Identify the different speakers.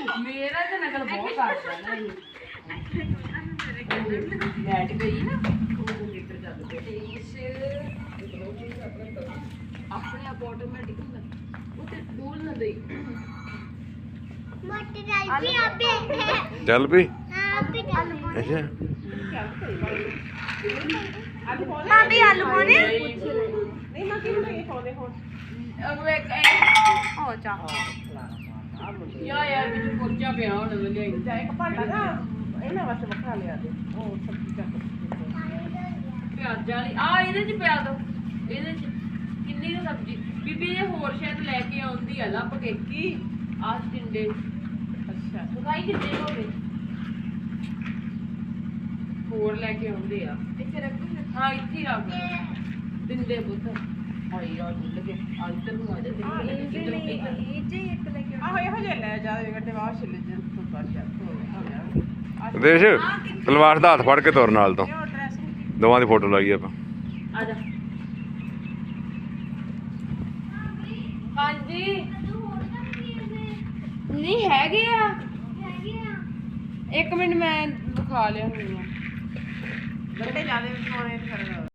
Speaker 1: ਮੇਰਾ ਤਾਂ ਨਕਲ ਬਹੁਤ ਕਰਦਾ ਨਾ ਇਹ ਲੈਟ ਗਈ ਨਾ ਉਹ ਲੀਟਰ ਚੱਲ ਪਿਆ ਆਪਣੇ ਆਪ ਆਟੋਮੈਟਿਕ ਹੁੰਦਾ ਉਹ ਤੇ ਡੋਲ ਨਾ ਦੇਈ
Speaker 2: ਮੋਟੇ ਡਾਲ ਵੀ ਆਪੇ
Speaker 3: ਚੱਲ ਪਈ
Speaker 2: ਆਪੇ ਡਾਲ
Speaker 3: ਅੱਛਾ
Speaker 2: ਭਾਬੀ ਆਲੂ ਪਾਉਣੇ
Speaker 1: ਨਹੀਂ ਮੈਂ ਕਿਹਨੂੰ ਇਹ ਪਾਉਂਦੇ ਹੁਣ
Speaker 2: ਹੋ ਜਾ
Speaker 1: ਯਾਰ ਵਿੱਚ ਕੋਚਾ ਪਿਆ ਹੁਣ ਲੈ
Speaker 4: ਜਾ ਇੱਕ ਭਾਂਡਾ ਨਾ ਇਹਨਾਂ ਵਾਸਤੇ ਵੱਖਰਾ ਲਿਆ ਦੇ ਉਹ ਸਬਜ਼ੀ ਚੱਕ
Speaker 1: ਪਿਆਜ਼ਾਂ ਵਾਲੀ ਆ ਇਹਦੇ ਚ ਪਿਆ ਦੋ ਇਹਦੇ ਚ ਕਿੰਨੀ ਕੁ ਸਬਜ਼ੀ ਬੀਬੀ ਇਹ ਹੋਰ ਸ਼ਾਇਦ ਲੈ ਕੇ ਆਉਂਦੀ ਆ ਲੱਭ ਕੇ ਕੀ ਆਹ ਟਿੰਡੇ
Speaker 4: ਅੱਛਾ
Speaker 1: ਸੁਕਾਈ ਕਿੰਨੇ ਹੋ ਗਏ ਹੋਰ ਲੈ ਕੇ ਆਉਂਦੇ ਆ
Speaker 2: ਇੱਥੇ ਰੱਖ
Speaker 1: ਹਾਂ ਇੱਥੇ ਹੀ ਰੱਖ ਦਿੰਦੇ ਬੁੱਤ ਹਾਏ ਯਾਰ ਭੁੱਲ ਗਏ ਆ ਇੱਧਰ ਨੂੰ ਆ ਜਾ
Speaker 2: ਇਹ ਜੇ ਇੱਕ ਲੈ ਕੇ
Speaker 4: ਆਹੋ ਇਹੋ ਜਿਹਾ ਲੈ ਜਾ ਦੇ ਗੱਡੇ ਵਾਹ ਛਿੱਲੇ ਜੇ ਤੂੰ ਕਰ ਜਾ
Speaker 3: ਦੇਸ਼ ਤਲਵਾਰ ਦਾ ਹੱਥ ਫੜ ਕੇ ਤੁਰ ਨਾਲ ਤੋਂ
Speaker 4: ਉਹ ਡਰੈਸਿੰਗ
Speaker 3: ਦੋਵਾਂ ਦੀ ਫੋਟੋ ਲਾਈ ਆਪਾਂ
Speaker 1: ਆ ਜਾ ਹਾਂਜੀ ਨਹੀਂ ਹੈਗੇ ਆ ਇੱਕ ਮਿੰਟ ਮੈਂ ਦਿਖਾ ਲਿਆ ਹੁਣ
Speaker 4: ਗੱਡੇ ਜਿਆਦੇ ਵਿੱਚ ਪਾਉਣੇ ਫਿਰ